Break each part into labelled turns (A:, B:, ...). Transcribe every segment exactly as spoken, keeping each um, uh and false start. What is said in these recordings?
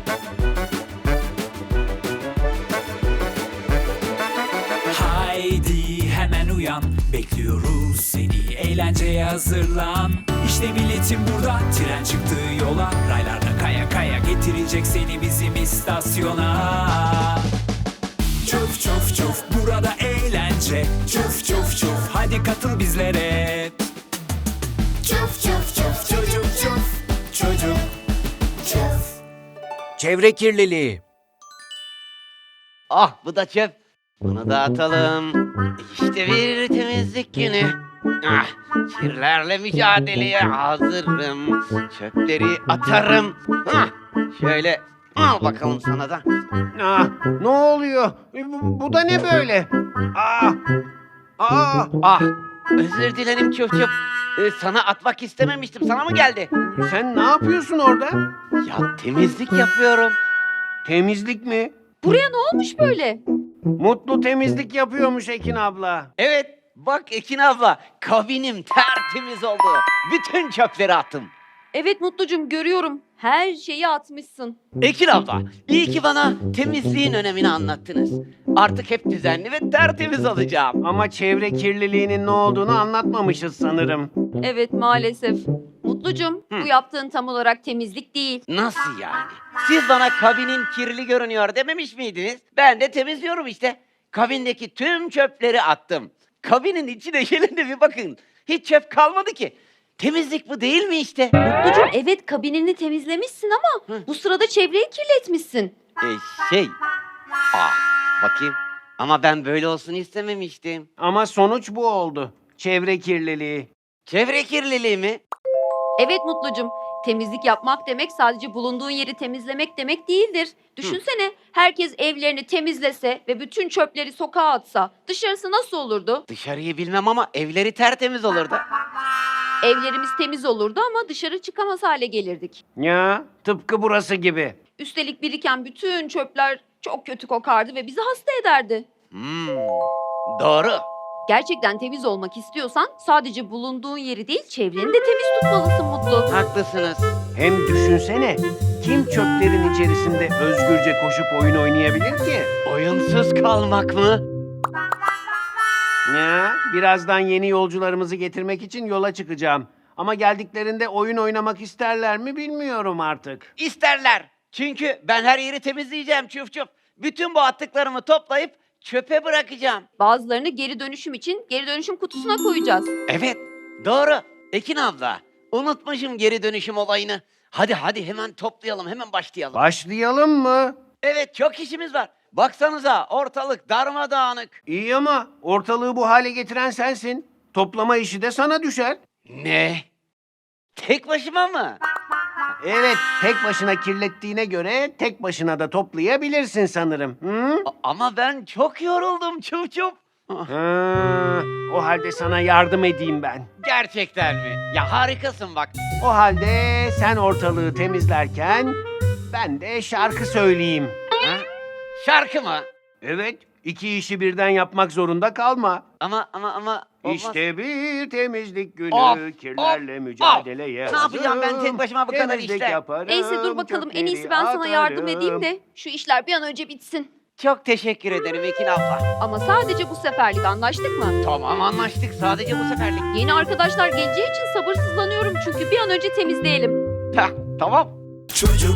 A: Haydi hemen uyan, bekliyoruz seni, eğlenceye hazırlan. İşte biletim burada, tren çıktı yola, raylarda kaya kaya getirecek seni bizim istasyona. Çuf çuf çuf, burada eğlence, çuf çuf çuf, hadi katıl bizlere. Çuf çuf çuf, çocuk çuf, çocuk çuf.
B: Çevre kirliliği.
C: Ah, bu da çöp. Bunu da atalım. İşte bir temizlik günü. Ah, kirlerle mücadeleye hazırım. Çöpleri atarım. Ah, şöyle al bakalım sana da.
D: Ah, ne oluyor? E, Bu, bu da ne böyle? Ah, ah,
C: Ah, özür dilerim çöp çöp. Ee, sana atmak istememiştim. Sana mı geldi?
D: sen ne yapıyorsun orada?
C: Ya temizlik yapıyorum.
D: Temizlik mi?
E: Buraya ne olmuş böyle?
D: Mutlu temizlik yapıyormuş Ekin abla.
C: Evet, bak Ekin abla, kabinim tertemiz oldu. Bütün çöpleri attım.
E: Evet Mutlucum, görüyorum. Her şeyi atmışsın.
C: Ekin abla, iyi ki bana temizliğin önemini anlattınız. Artık hep düzenli ve tertemiz olacağım.
D: Ama çevre kirliliğinin ne olduğunu anlatmamışız sanırım.
E: Evet, maalesef. Mutlucum,
C: Hı.
E: bu yaptığın tam olarak temizlik değil.
C: Nasıl yani? Siz bana kabinin kirli görünüyor dememiş miydiniz? Ben de temizliyorum işte. Kabindeki tüm çöpleri attım. Kabinin içine gelin de bir bakın. Hiç çöp kalmadı ki. Temizlik bu değil mi işte?
E: Mutlucum, evet kabinini temizlemişsin ama
C: Hı.
E: bu sırada çevreyi kirletmişsin.
C: E, şey... Ah, bakayım. Ama ben böyle olsun istememiştim.
D: Ama sonuç bu oldu. Çevre kirliliği.
C: Çevre kirliliği mi?
E: Evet Mutlucum, temizlik yapmak demek sadece bulunduğun yeri temizlemek demek değildir. Düşünsene, herkes evlerini temizlese ve bütün çöpleri sokağa atsa dışarısı nasıl olurdu?
C: Dışarıyı bilmem ama evleri tertemiz olurdu.
E: Evlerimiz temiz olurdu ama dışarı çıkamaz hale gelirdik.
D: Ya, tıpkı burası gibi.
E: Üstelik biriken bütün çöpler çok kötü kokardı ve bizi hasta ederdi.
C: Hmm, doğru.
E: Gerçekten temiz olmak istiyorsan sadece bulunduğun yeri değil çevreni de temiz tutmalısın Mutlu.
C: Haklısınız.
D: Hem düşünsene, kim çöplerin içerisinde özgürce koşup oyun oynayabilir ki?
C: Oyunsuz kalmak mı?
D: Ya, birazdan yeni yolcularımızı getirmek için yola çıkacağım. Ama geldiklerinde oyun oynamak isterler mi bilmiyorum artık.
C: İsterler. Çünkü ben her yeri temizleyeceğim çuf çuf. Bütün bu attıklarımı toplayıp çöpe bırakacağım.
E: Bazılarını geri dönüşüm için geri dönüşüm kutusuna koyacağız.
C: Evet, doğru. Ekin abla, unutmuşum geri dönüşüm olayını. Hadi hadi hemen toplayalım, hemen başlayalım.
D: Başlayalım mı?
C: Evet, çok işimiz var. Baksanıza ortalık darmadağınık.
D: İyi ama ortalığı bu hale getiren sensin. Toplama işi de sana düşer.
C: Ne? Tek başıma mı?
D: Evet, tek başına kirlettiğine göre tek başına da toplayabilirsin sanırım. Hı?
C: A- ama ben çok yoruldum çuf çuf.
D: Ha, o halde sana yardım edeyim ben.
C: Gerçekten mi? Ya harikasın bak.
D: O halde sen ortalığı temizlerken ben de şarkı söyleyeyim.
C: Ha? Şarkı mı?
D: Evet, iki işi birden yapmak zorunda kalma.
C: Ama ama ama olmaz.
D: İşte bir temizlik günü,
C: Of,
D: kirlerle
C: of,
D: mücadeleye
C: of. Ne yapacağım ben tek
D: hazırım.
C: başıma bu kadar
D: Temizlik
C: işler?
D: yaparım,
E: Neyse dur bakalım, en iyisi ben sana yardım edeyim de şu işler bir an önce bitsin.
C: Çok teşekkür ederim Ekin abla.
E: Ama sadece bu seferlik, anlaştık mı?
C: Tamam anlaştık sadece bu seferlik.
E: Yeni arkadaşlar geleceği için sabırsızlanıyorum çünkü bir an önce temizleyelim.
C: Heh, tamam.
A: Çocuk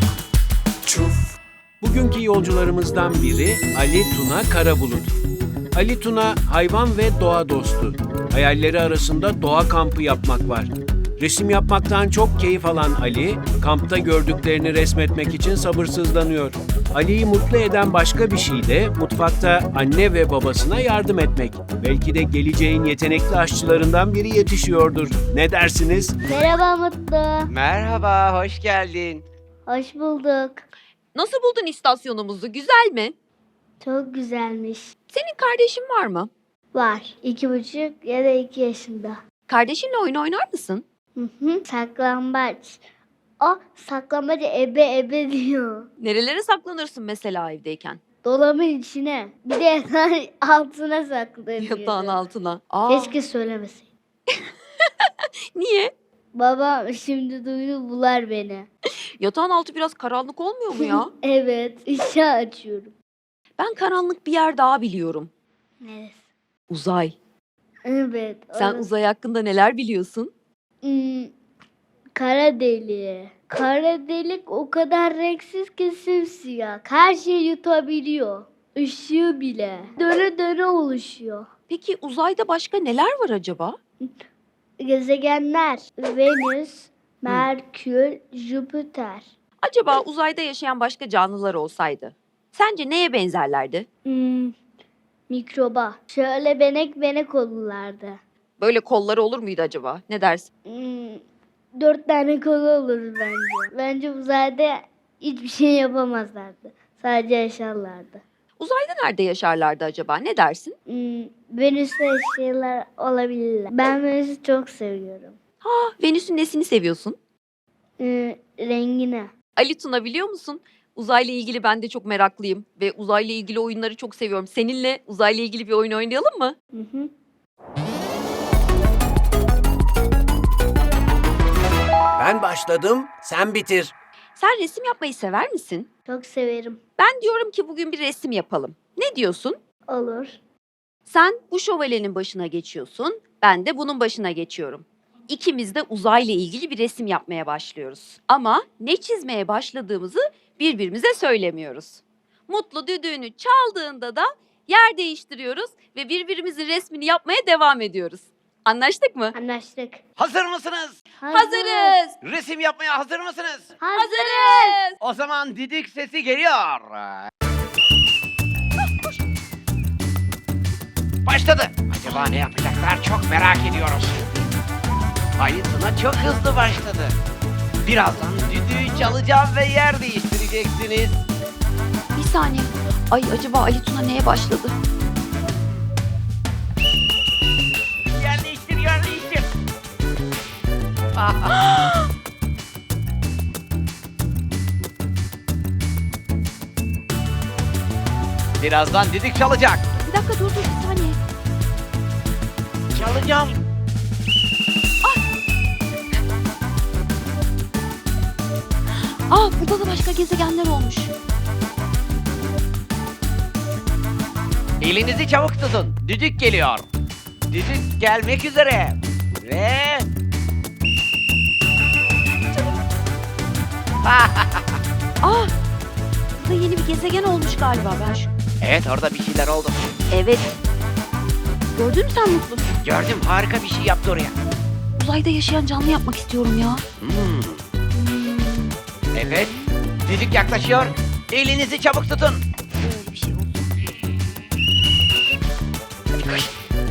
A: çuf.
B: Bugünkü yolcularımızdan biri Ali Tuna Karabulut. Ali Tuna hayvan ve doğa dostu. Hayalleri arasında doğa kampı yapmak var. Resim yapmaktan çok keyif alan Ali, kampta gördüklerini resmetmek için sabırsızlanıyor. Ali'yi mutlu eden başka bir şey de mutfakta anne ve babasına yardım etmek. Belki de geleceğin yetenekli aşçılarından biri yetişiyordur. Ne dersiniz?
F: Merhaba Mutlu.
C: Merhaba, hoş geldin.
F: Hoş bulduk.
E: Nasıl buldun istasyonumuzu? Güzel mi?
F: Çok güzelmiş.
E: Senin kardeşin var mı?
F: Var. İki buçuk ya da iki yaşında.
E: Kardeşinle oyun oynar mısın?
F: Hı hı. Saklambaç. O saklambaç ebe ebe diyor.
E: Nerelere saklanırsın mesela evdeyken?
F: Dolabın içine. Bir de yatağın altına saklanıyor.
E: Yatağın altına. Aa,
F: Keşke söylemeseydin.
E: niye?
F: Babam şimdi duydu bular beni.
E: Yatağın altı biraz karanlık olmuyor mu ya?
F: Evet, ışığı açıyorum.
E: Ben karanlık bir yer daha biliyorum.
F: Neresi?
E: Uzay.
F: Evet.
E: Sen
F: orası.
E: uzay hakkında neler biliyorsun?
F: Hmm, kara deliği. Kara delik o kadar renksiz ki simsiyah. Her şeyi yutabiliyor. Işığı bile. Döne döne oluşuyor.
E: Peki uzayda başka neler var acaba?
F: Gezegenler. Venüs, Merkür, Jüpiter.
E: Acaba uzayda yaşayan başka canlılar olsaydı sence neye benzerlerdi?
F: Hmm, mikroba. Şöyle benek benek olurlardı.
E: Böyle kolları olur muydu acaba? Ne dersin?
F: Hmm, dört tane kolu olur bence. Bence uzayda hiçbir şey yapamazlardı. Sadece yaşarlardı.
E: Uzayda nerede yaşarlardı acaba? Ne dersin?
F: Hmm, Venüs'te yaşayanlar olabilirler. Ben Venüs'ü çok seviyorum.
E: Ah, Venüs'ün nesini seviyorsun?
F: Hmm, rengine.
E: Ali Tuna biliyor musun? Uzayla ilgili ben de çok meraklıyım ve uzayla ilgili oyunları çok seviyorum. Seninle uzayla ilgili bir oyun oynayalım mı?
F: Hı hı.
D: Ben başladım, sen bitir.
E: Sen resim yapmayı sever misin?
F: Çok severim.
E: Ben diyorum ki bugün bir resim yapalım. Ne diyorsun?
F: Olur.
E: Sen bu şövalyenin başına geçiyorsun, ben de bunun başına geçiyorum. İkimiz de uzayla ilgili bir resim yapmaya başlıyoruz. Ama ne çizmeye başladığımızı birbirimize söylemiyoruz. Mutlu düdüğünü çaldığında da yer değiştiriyoruz ve birbirimizin resmini yapmaya devam ediyoruz. Anlaştık mı?
F: Anlaştık.
C: Hazır mısınız?
E: Hazırız.
C: Resim yapmaya hazır mısınız?
E: Hazırız.
C: O zaman didik sesi geliyor. Başladı. Acaba ne yapacaklar çok merak ediyoruz. Ali Tuna çok hızlı başladı. Birazdan düdüğü çalacağım ve yer değiştireceksiniz.
E: Bir saniye. Ay acaba Ali Tuna neye başladı?
C: Yer değiştir, yer değiştir. Birazdan düdük çalacak.
E: Bir dakika dur dur bir saniye.
C: Çalacağım.
E: Aa burada da başka gezegenler olmuş.
C: Elinizi çabuk tutun. Düdük geliyor. Düdük gelmek üzere. Ve...
E: Aa burada yeni bir gezegen olmuş galiba ben şu.
C: Evet, orada bir şeyler oldu.
E: Evet. Gördün mü sen Mutlu?
C: Gördüm, harika bir şey yaptı oraya.
E: Uzayda yaşayan canlı yapmak istiyorum ya.
C: Hmm. Evet, düdük yaklaşıyor. Elinizi çabuk tutun.
E: Böyle bir şey olsun.
C: Hadi koş.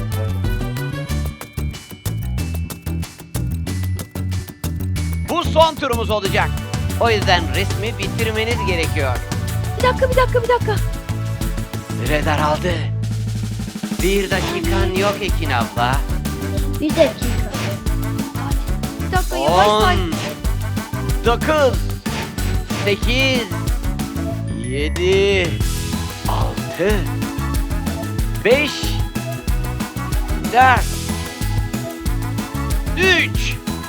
C: Bu son turumuz olacak. O yüzden resmi bitirmeniz gerekiyor.
E: Bir dakika bir dakika bir dakika.
C: Süre daraldı. Bir dakikan yok Ekin abla.
F: Bir dakika.
E: Bir dakika yavaş say.
C: On, dokuz, sekiz, yedi, altı, beş, dört, üç,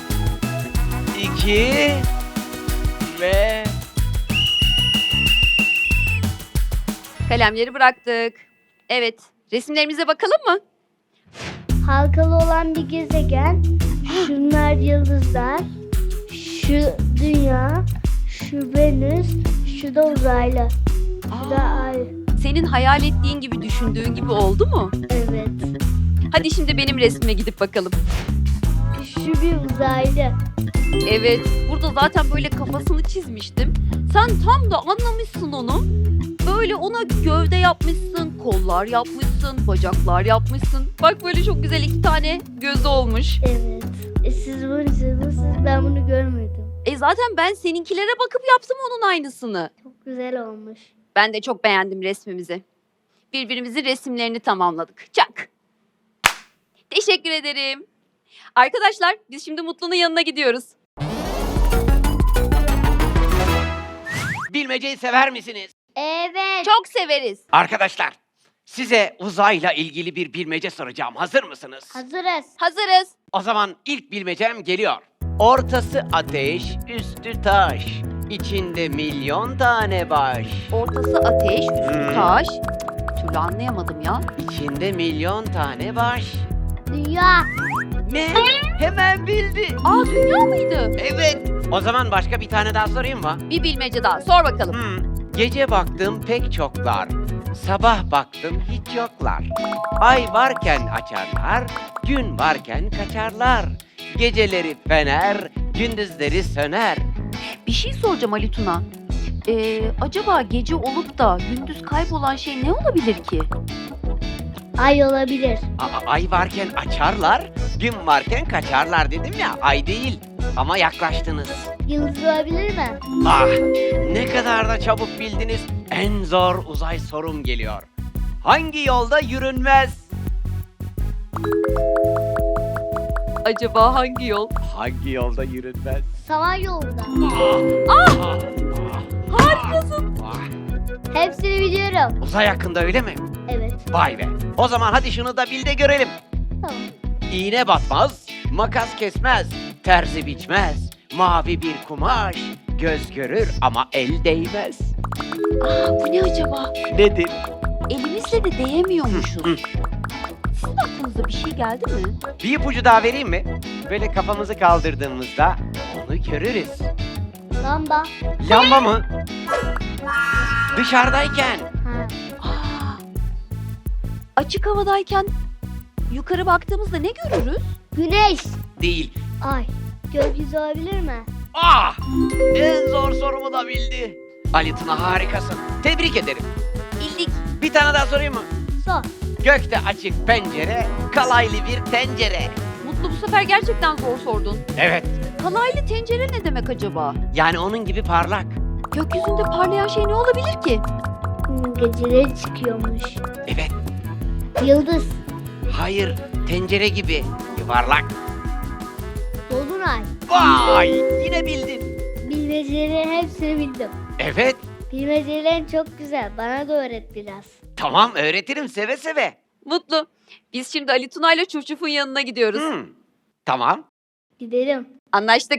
C: iki ve...
E: Kalemleri bıraktık. Evet. Resimlerimize bakalım mı?
F: Halkalı olan bir gezegen. Şunlar yıldızlar. Şu dünya. Şu Venüs. Şu da uzaylı. Şu da ay.
E: Senin hayal ettiğin gibi düşündüğün gibi oldu mu?
F: Evet.
E: Hadi şimdi benim resmime gidip bakalım.
F: Şu bir uzaylı.
E: Evet. Burada zaten böyle kafasını çizmiştim. Sen tam da anlamışsın onu. Böyle ona gövde yapmışsın, kollar yapmışsın, bacaklar yapmışsın. Bak böyle çok güzel iki tane gözü olmuş.
F: Evet. E, siz bunu çizmişsiniz. Ben bunu görmedim.
E: E zaten ben seninkilere bakıp yaptım onun aynısını.
F: Çok güzel olmuş.
E: Ben de çok beğendim resmimizi. Birbirimizin resimlerini tamamladık. Çak. Teşekkür ederim. Arkadaşlar biz şimdi Mutlu'nun yanına gidiyoruz.
C: Bilmeceyi sever misiniz?
F: Evet.
E: Çok severiz.
C: Arkadaşlar, size uzayla ilgili bir bilmece soracağım. Hazır mısınız?
F: Hazırız.
E: Hazırız.
C: O zaman ilk bilmecem geliyor. Ortası ateş, üstü taş. İçinde milyon tane baş.
E: Ortası ateş, üstü
C: Hmm.
E: taş. Bir türlü anlayamadım ya.
C: İçinde milyon tane baş.
F: Dünya.
C: Ne? Hemen bildi.
E: Aa, dünya mıydı?
C: Evet. O zaman başka bir tane daha sorayım mı?
E: Bir bilmece daha sor bakalım.
C: Hmm. Gece baktım pek çoklar. Sabah baktım hiç yoklar. Ay varken açarlar, gün varken kaçarlar. Geceleri fener, gündüzleri söner.
E: Bir şey soracağım Ali Tuna. Ee, acaba gece olup da gündüz kaybolan şey ne olabilir ki?
F: Ay olabilir.
C: Aa, ay varken açarlar, gün varken kaçarlar dedim ya, ay değil. Ama yaklaştınız.
F: Yıldız olabilir mi?
C: Ah, ne kadar da çabuk bildiniz. En zor uzay sorum geliyor. Hangi yolda yürünmez?
E: Acaba hangi yol?
C: Hangi yolda yürünmez?
F: Saman yolunda.
E: Harikasın.
C: Ah,
F: Hepsini biliyorum.
C: uzay hakkında öyle mi?
F: Evet.
C: Vay be. O zaman hadi şunu da bil de görelim.
F: Tamam.
C: İğne batmaz, makas kesmez, terzi biçmez. Mavi bir kumaş, göz görür ama el değmez.
E: Aa, bu ne acaba?
C: Nedir?
E: Elimizle de değemiyormuşuz. Sizin aklınıza bir şey geldi mi?
C: Bir ipucu daha vereyim mi? Böyle kafamızı kaldırdığımızda onu görürüz.
F: Lamba.
C: Lamba mı? Dışarıdayken.
F: Ha.
E: Aa, açık havadayken yukarı baktığımızda ne görürüz?
F: Güneş.
C: Değil.
F: Ay. Gökyüzü olabilir mi?
C: Ah! En zor sorumu da bildi. Ali Tuna harikasın. Tebrik ederim.
E: İllik.
C: Bir tane daha sorayım mı?
F: Sor.
C: Gökte açık pencere, kalaylı bir tencere.
E: Mutlu, bu sefer gerçekten zor sordun.
C: Evet.
E: Kalaylı tencere ne demek acaba?
C: Yani onun gibi parlak.
E: Gökyüzünde parlayan şey ne olabilir ki?
F: Hmm, geceleri çıkıyormuş.
C: Evet.
F: Yıldız.
C: Hayır. Tencere gibi. Yuvarlak.
F: Dolunay.
C: Vay! Yine bildin.
F: Bilmecelerin hepsini bildim.
C: Evet.
F: Bilmecelerin çok güzel. Bana da öğret biraz.
C: Tamam öğretirim seve seve.
E: Mutlu. Biz şimdi Ali Tuna ile Çufçuf'un yanına gidiyoruz.
C: Hmm. Tamam.
F: Gidelim.
E: Anlaştık.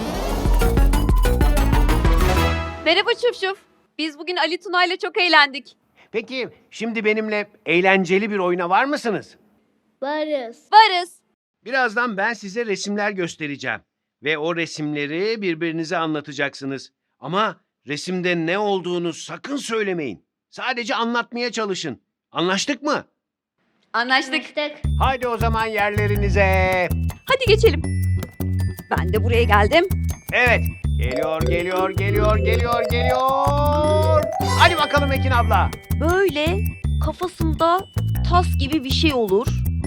E: Merhaba Çufçuf. Biz bugün Ali Tuna ile çok eğlendik.
D: Peki şimdi benimle eğlenceli bir oyuna var mısınız?
F: Varız.
E: Varız.
D: Birazdan ben size resimler göstereceğim. Ve o resimleri birbirinize anlatacaksınız. Ama resimde ne olduğunu sakın söylemeyin. Sadece anlatmaya çalışın. Anlaştık mı?
E: Anlaştık.
F: Anlaştık.
D: Haydi o zaman yerlerinize.
E: Hadi geçelim. Ben de buraya geldim.
D: Evet. Geliyor, geliyor, geliyor, geliyor, geliyor. Hadi bakalım Ekin abla.
E: Böyle kafasında tas gibi bir şey olur.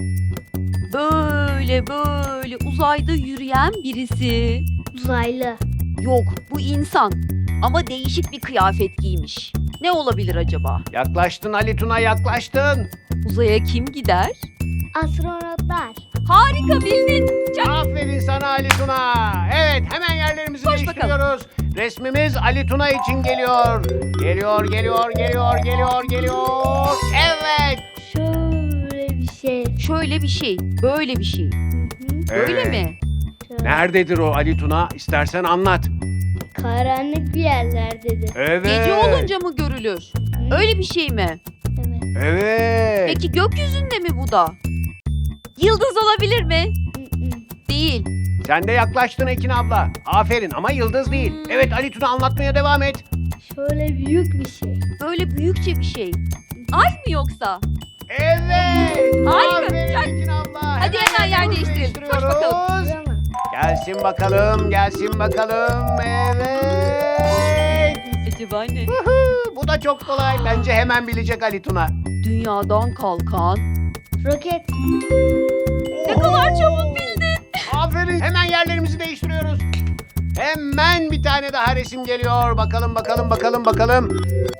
E: Böyle böyle uzayda yürüyen birisi.
F: Uzaylı.
E: Yok, bu insan. Ama değişik bir kıyafet giymiş. Ne olabilir acaba?
D: Yaklaştın Ali Tuna, yaklaştın.
E: Uzaya kim gider?
F: Astronotlar.
E: Harika, bildin. Çak.
D: Aferin sana Ali Tuna. Evet, hemen yerlerimizi
E: Koş
D: değiştiriyoruz. Resmimiz Ali Tuna için geliyor. Geliyor, geliyor, geliyor, geliyor, geliyor. Evet.
F: Şöyle bir şey.
E: Şöyle bir şey, böyle bir şey.
F: Hı hı.
E: Böyle
D: Evet.
E: mi?
F: Şöyle.
D: Nerededir o Ali Tuna? İstersen anlat.
F: Karanlık bir yerlerdedir.
D: Evet.
E: Gece olunca mı görülür?
F: Hı?
E: Öyle bir şey mi?
F: Evet.
D: Evet.
E: Peki gökyüzünde mi bu da? Yıldız olabilir mi?
F: Hı hı.
E: Değil.
D: Sen de yaklaştın Ekin abla. Aferin ama yıldız değil.
E: Hmm.
D: Evet Ali Tuna, anlatmaya devam et.
F: Şöyle büyük bir şey.
E: Böyle büyükçe bir şey. Ay mı yoksa?
D: Evet.
E: Harika,
D: Aferin
E: çak.
D: Ekin abla.
E: Hadi hemen yer
D: yerimizi
E: değiştirelim. Koş
D: değiştiriyoruz.
E: bakalım.
F: Değil mi?
D: Gelsin bakalım, gelsin bakalım. Evet.
E: Acaba ne?
D: Huhu, bu da çok kolay. Bence hemen bilecek Ali Tuna.
E: Dünyadan kalkan.
F: Roket.
E: Ne kadar çabuk bildin.
D: Aferin. Hemen yerlerimizi değiştiriyoruz. Hemen bir tane daha resim geliyor. Bakalım, bakalım, bakalım, bakalım.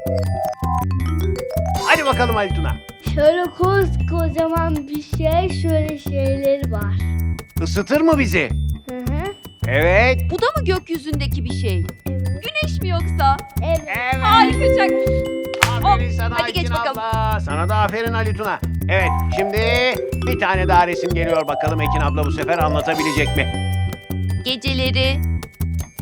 D: Hadi bakalım Ali Tuna.
F: Şöyle koskocaman bir şey. Şöyle şeyler var.
D: Isıtır mı bizi?
F: Hı hı.
D: Evet.
E: Bu da mı gökyüzündeki bir şey?
F: Evet.
E: Güneş mi yoksa?
F: Evet.
D: Evet.
E: Harika, çak.
D: Aferin
E: Hop,
D: sana
E: hadi geç
D: Ekin
E: bakalım.
D: abla. Sana da aferin Ali Tuna. Evet, şimdi bir tane daha resim geliyor. Bakalım Ekin abla bu sefer anlatabilecek mi?
E: Geceleri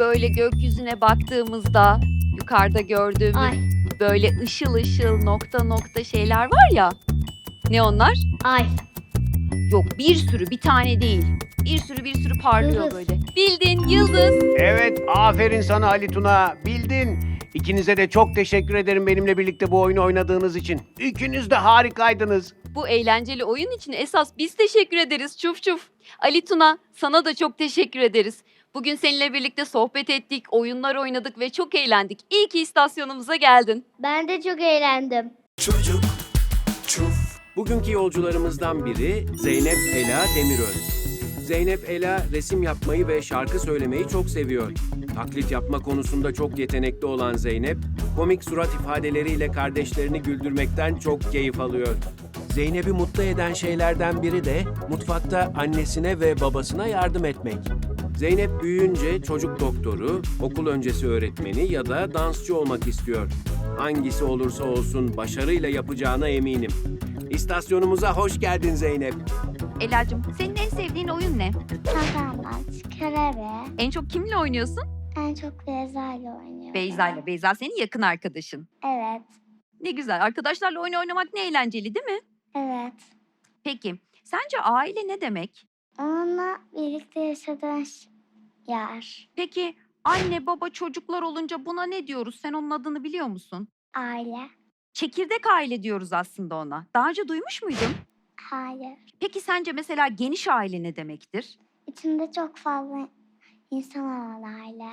E: Böyle gökyüzüne baktığımızda yukarıda gördüğümüz
F: Ay,
E: böyle ışıl ışıl nokta nokta şeyler var ya. Ne onlar?
F: ay.
E: Yok, bir sürü, bir tane değil. Bir sürü bir sürü parlıyor
F: Yıldız.
E: böyle. Bildin, yıldız.
D: Evet, aferin sana Ali Tuna. Bildin. İkinize de çok teşekkür ederim benimle birlikte bu oyunu oynadığınız için. İkiniz de harikaydınız.
E: Bu eğlenceli oyun için esas biz teşekkür ederiz çuf çuf. Ali Tuna, sana da çok teşekkür ederiz. Bugün seninle birlikte sohbet ettik, oyunlar oynadık ve çok eğlendik. İyi ki istasyonumuza geldin.
F: Ben de çok eğlendim.
A: Çocuk çuf.
B: Bugünkü yolcularımızdan biri Zeynep Ela Demiröz. Zeynep Ela resim yapmayı ve şarkı söylemeyi çok seviyor. Taklit yapma konusunda çok yetenekli olan Zeynep, komik surat ifadeleriyle kardeşlerini güldürmekten çok keyif alıyor. Zeynep'i mutlu eden şeylerden biri de mutfakta annesine ve babasına yardım etmek. Zeynep büyüyünce çocuk doktoru, okul öncesi öğretmeni ya da dansçı olmak istiyor. Hangisi olursa olsun başarıyla yapacağına eminim. İstasyonumuza hoş geldin Zeynep.
E: Ela'cığım, senin en sevdiğin oyun ne?
G: Saklambaç, körebe.
E: En çok kimle oynuyorsun?
G: En çok Beyza ile oynuyorum.
E: Beyza ile. Beyza senin yakın arkadaşın.
G: Evet,
E: Ne güzel. Arkadaşlarla oyun oynamak ne eğlenceli değil mi?
G: evet.
E: Peki, sence aile ne demek?
G: Onunla birlikte yaşadığın ş- yer,
E: Peki, anne, baba, çocuklar olunca buna ne diyoruz? Sen onun adını biliyor musun?
G: aile.
E: Çekirdek aile diyoruz aslında ona. Daha önce duymuş muydun?
G: Hayır.
E: Peki sence mesela geniş aile ne demektir?
G: İçinde çok fazla insan olan aile.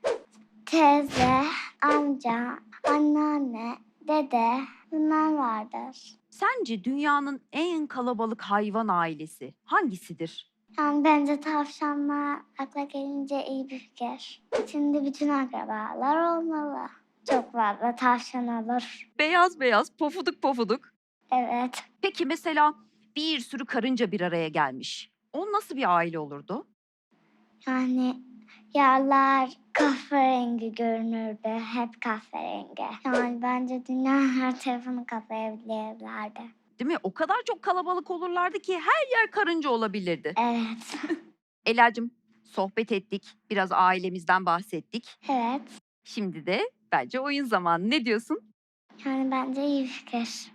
G: Teyze, amca, anneanne, dede bunlar vardır.
E: Sence dünyanın en kalabalık hayvan ailesi hangisidir?
G: Yani bence tavşanlar akla gelince iyi bir fikir. İçinde bütün akrabalar olmalı. Çok fazla tavşan olur.
E: Beyaz beyaz, pofuduk pofuduk.
G: Evet.
E: Peki mesela bir sürü karınca bir araya gelmiş. O nasıl bir aile olurdu?
G: Yani yerler kahverengi görünürdü. Hep kahverengi. Yani bence dünyanın her tarafını kaplayabilirlerdi.
E: Değil mi? O kadar çok kalabalık olurlardı ki her yer karınca olabilirdi.
G: Evet.
E: Ela'cığım, sohbet ettik. Biraz ailemizden bahsettik.
G: Evet.
E: Şimdi de bence oyun zamanı. Ne diyorsun?
G: Yani bence iyi bir fikir.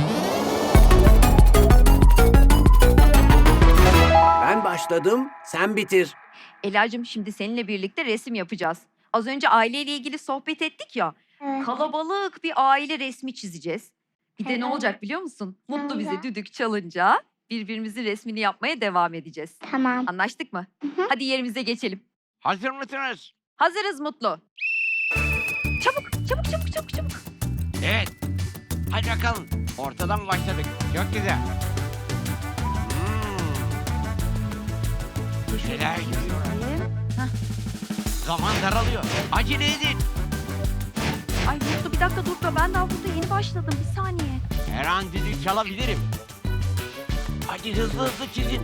B: Ben başladım, sen bitir.
E: Ela'cığım, şimdi seninle birlikte resim yapacağız. Az önce aileyle ilgili sohbet ettik ya.
G: Evet.
E: Kalabalık bir aile resmi çizeceğiz. Bir de ne
G: Evet.
E: olacak biliyor musun? Mutlu bize
G: Öyle.
E: düdük çalınca birbirimizin resmini yapmaya devam edeceğiz.
G: Tamam.
E: Anlaştık mı?
G: hı.
E: Hadi yerimize geçelim.
C: Hazır mısınız?
E: Hazırız Mutlu. Çabuk, çabuk, çabuk, çabuk, çabuk.
C: Evet. Hadi bakalım. Ortadan başladık. Çok güzel. Hmm. Köşeler gidiyor. Zaman daralıyor. Acele edin.
E: Ay Mutlu, bir dakika dur da ben daha burada yeni başladım. Bir saniye.
C: Her an düdük çalabilirim. Hadi hızlı hızlı çizin.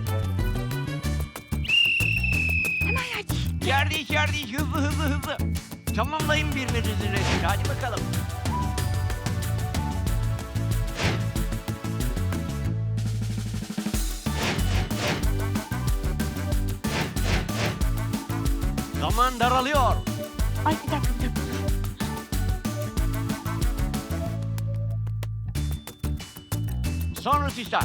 E: Hemen hadi.
C: Yer değiş yer değiş. Hızlı hızlı hızlı. Tamamlayın birbirinizin resmini. Hadi bakalım. Zaman daralıyor.
E: Ay bir dakika, bir dakika.
C: Son rötuşlar.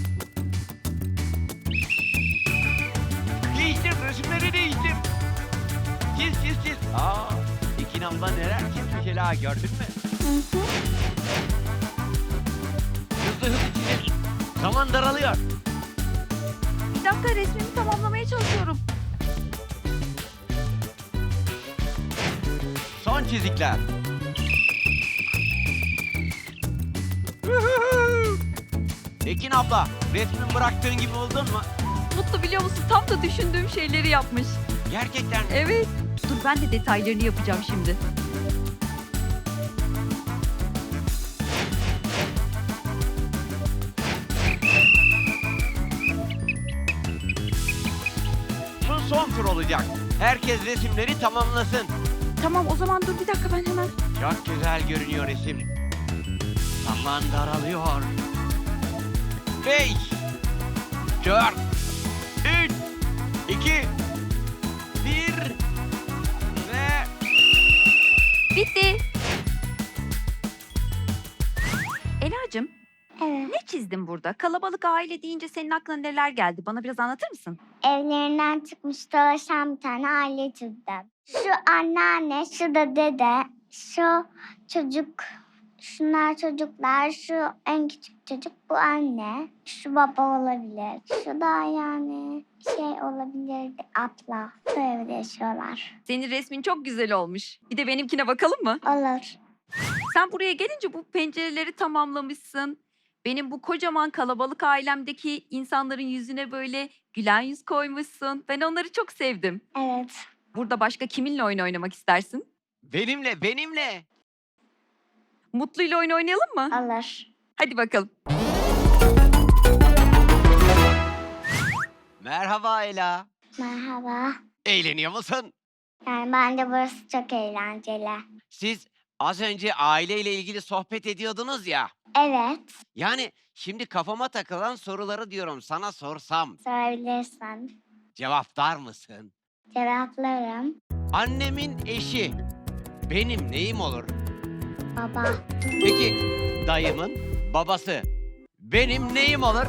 C: Değiştir, resimleri değiştir. Çiz, çiz, çiz. Aa, Ekin abla neler çizmiş Ela, gördün mü? Hızlı hızlı çizin. Zaman daralıyor.
E: Bir dakika, resmimi tamamlamaya çalışıyorum.
C: Son çizikler. Ekin abla, resmin bıraktığın gibi oldun mu?
E: Mutlu, biliyor musun, tam da düşündüğüm şeyleri yapmış.
C: Gerçekten mi?
E: Evet. Dur, ben de detaylarını yapacağım şimdi.
C: Bu son tur olacak. Herkes resimleri tamamlasın.
E: Tamam, o zaman dur bir dakika, ben hemen.
C: Çok güzel görünüyor resim. Zaman daralıyor. Beş, dört, üç, iki, bir ve
E: Bitti. Ela'cığım,
G: Evet.
E: ne çizdin burada? Kalabalık aile deyince senin aklına neler geldi? Bana biraz anlatır mısın?
G: Evlerinden çıkmış dolaşan bir tane aile çizdim. Şu anneanne, şu da dede, şu çocuk, şunlar çocuklar, şu en küçük çocuk bu anne, şu baba olabilir. Şu da yani şey olabilirdi abla. Bu evde yaşıyorlar.
E: Senin resmin çok güzel olmuş. Bir de benimkine bakalım mı?
G: Olur.
E: Sen buraya gelince bu pencereleri tamamlamışsın. Benim bu kocaman kalabalık ailemdeki insanların yüzüne böyle gülen yüz koymuşsun. Ben onları çok sevdim.
G: Evet.
E: Burada başka kiminle oyun oynamak istersin?
C: Benimle, benimle.
E: Mutlu'yla oyun oynayalım mı?
G: Olur.
E: Hadi bakalım.
C: Merhaba Ela.
G: Merhaba.
C: Eğleniyor musun?
G: Yani bence burası çok eğlenceli.
C: Siz az önce aileyle ilgili sohbet ediyordunuz ya.
G: Evet.
C: Yani şimdi kafama takılan soruları diyorum sana sorsam
G: Sorabilirsin.
C: cevaplar mısın?
G: Cevaplarım.
C: Annemin eşi benim neyim olur?
G: Baba.
C: Peki dayımın babası benim neyim olur?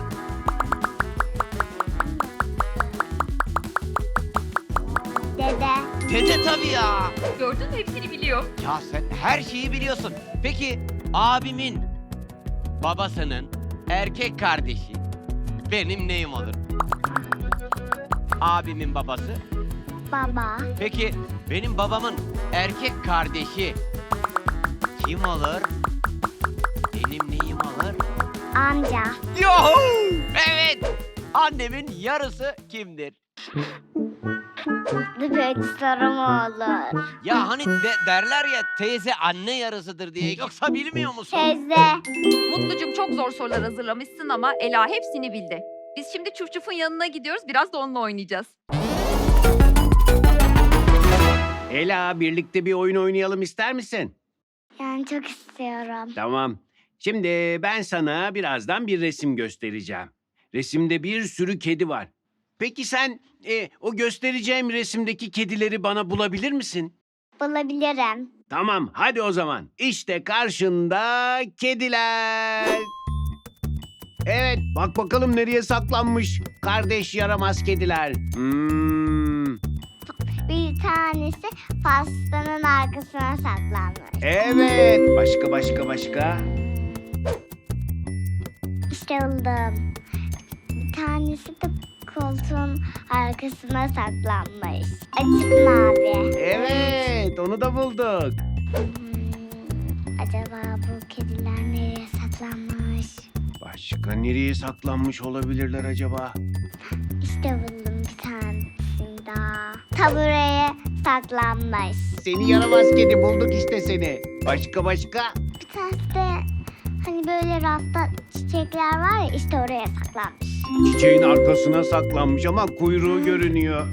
G: Dede.
C: Dede tabii ya.
E: Gördün mü? Hepsini biliyor.
C: Ya sen her şeyi biliyorsun. Peki abimin babasının erkek kardeşi benim neyim olur? Abimin babası.
G: Baba.
C: Peki benim babamın erkek kardeşi kim olur? Benim neyim olur?
G: Amca.
C: Yuhu! Evet. Annemin yarısı kimdir?
G: Böyle sorum olur.
C: Ya hani de- derler ya teyze anne yarısıdır diye. Yoksa bilmiyor musun?
G: Teyze.
E: Mutlucum çok zor sorular hazırlamışsın ama Ela hepsini bildi. Biz şimdi Çuf Çuf'un yanına gidiyoruz. Biraz da onunla oynayacağız.
D: Ela, birlikte bir oyun oynayalım ister misin?
G: Yani çok istiyorum.
D: Tamam. Şimdi ben sana birazdan bir resim göstereceğim. Resimde bir sürü kedi var. Peki sen e, o göstereceğim resimdeki kedileri bana bulabilir misin?
G: Bulabilirim.
D: Tamam, hadi o zaman. İşte karşında kediler. Evet, bak bakalım nereye saklanmış kardeş yaramaz kediler. Hmm,
G: Bir tanesi pastanın arkasına saklanmış.
D: evet, başka başka başka.
G: İşte buldum. Bir tanesi de koltuğun arkasına saklanmış. Açık mavi.
D: Evet, onu da bulduk.
G: Hmm, acaba bu kediler nereye saklanmış?
D: Başka nereye saklanmış olabilirler acaba?
G: İşte buldum bir tanesini daha. Tabureye saklanmış.
D: Seni yaramaz kedi, bulduk işte seni. Başka başka?
G: Bir tanesi de hani böyle rafta çiçekler var ya işte oraya saklanmış.
D: Çiçeğin arkasına saklanmış ama kuyruğu görünüyor.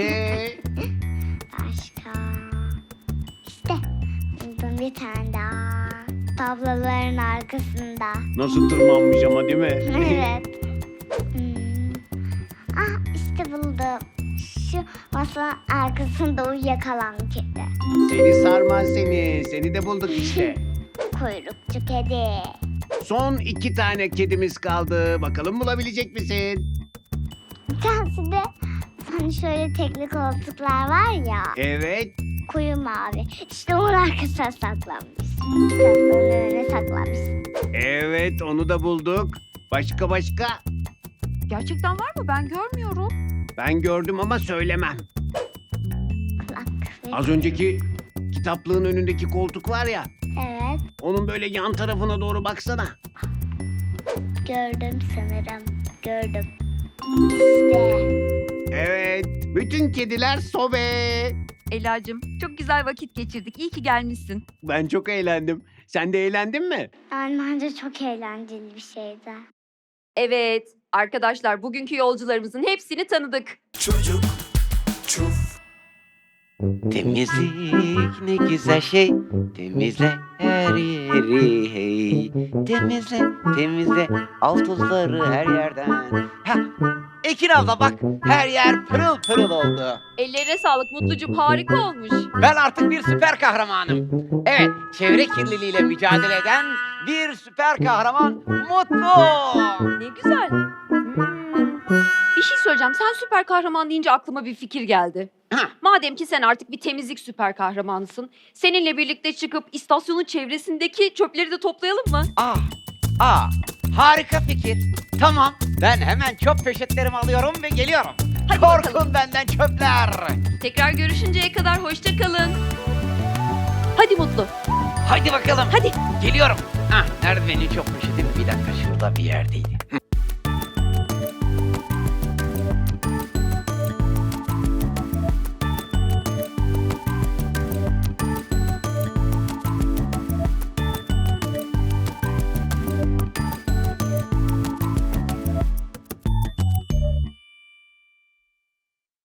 G: Başka. İşte buldum bir tane daha. Tabloların arkasında.
D: Nasıl tırmanmış ama değil mi?
G: Evet. Hmm. Ah işte buldum. Şu masanın arkasında uyuyakalan kedi.
D: Seni sarmaz seni. Seni de bulduk işte.
G: Kuyrukçu kedi.
D: Son iki tane kedimiz kaldı. Bakalım bulabilecek misin?
G: Bir tanesi de hani şöyle tekli koltuklar var ya.
D: Evet.
G: Koyu mavi. İşte onun arkasına saklanmış. Kitapların önüne saklanmış.
D: Evet, onu da bulduk. Başka başka?
E: Gerçekten var mı? Ben görmüyorum.
D: Ben gördüm ama söylemem.
G: Kulak. ve-
D: Az önceki kitaplığın önündeki koltuk var ya.
G: Evet.
D: Onun böyle yan tarafına doğru baksana.
G: Gördüm sanırım. Gördüm. İşte.
D: Evet. Bütün kediler sobe.
E: Ela'cığım çok güzel vakit geçirdik. İyi ki gelmişsin.
D: Ben çok eğlendim. Sen de eğlendin mi?
G: Yani bence çok eğlenceli bir şeydi.
E: Evet arkadaşlar bugünkü yolcularımızın hepsini tanıdık.
A: Çocuk çuf.
C: Temizlik ne güzel şey. Temizle her yeri hey. Temizle temizle al tozları her yerden. Ha, Ekin abla bak, her yer pırıl pırıl oldu.
E: Ellerine sağlık Mutlucum, harika olmuş.
C: Ben artık bir süper kahramanım. Evet, çevre kirliliğiyle mücadele eden bir süper kahraman Mutlu.
E: Ne güzel. Hmm. Bir şey söyleyeceğim. Sen süper kahraman deyince aklıma bir fikir geldi.
C: Hah.
E: Madem ki sen artık bir temizlik süper kahramanısın, seninle birlikte çıkıp istasyonun çevresindeki çöpleri de toplayalım mı?
C: Ah, ah, harika fikir. Tamam, ben hemen çöp poşetlerimi alıyorum ve geliyorum.
E: Hadi
C: Korkun
E: bakalım.
C: benden çöpler.
E: Tekrar görüşünceye kadar hoşça kalın. Hadi Mutlu,
C: Hadi bakalım.
E: hadi.
C: Geliyorum. Ah, nerede benim çöp poşetim? Bir dakika, şurada bir yerdeydi.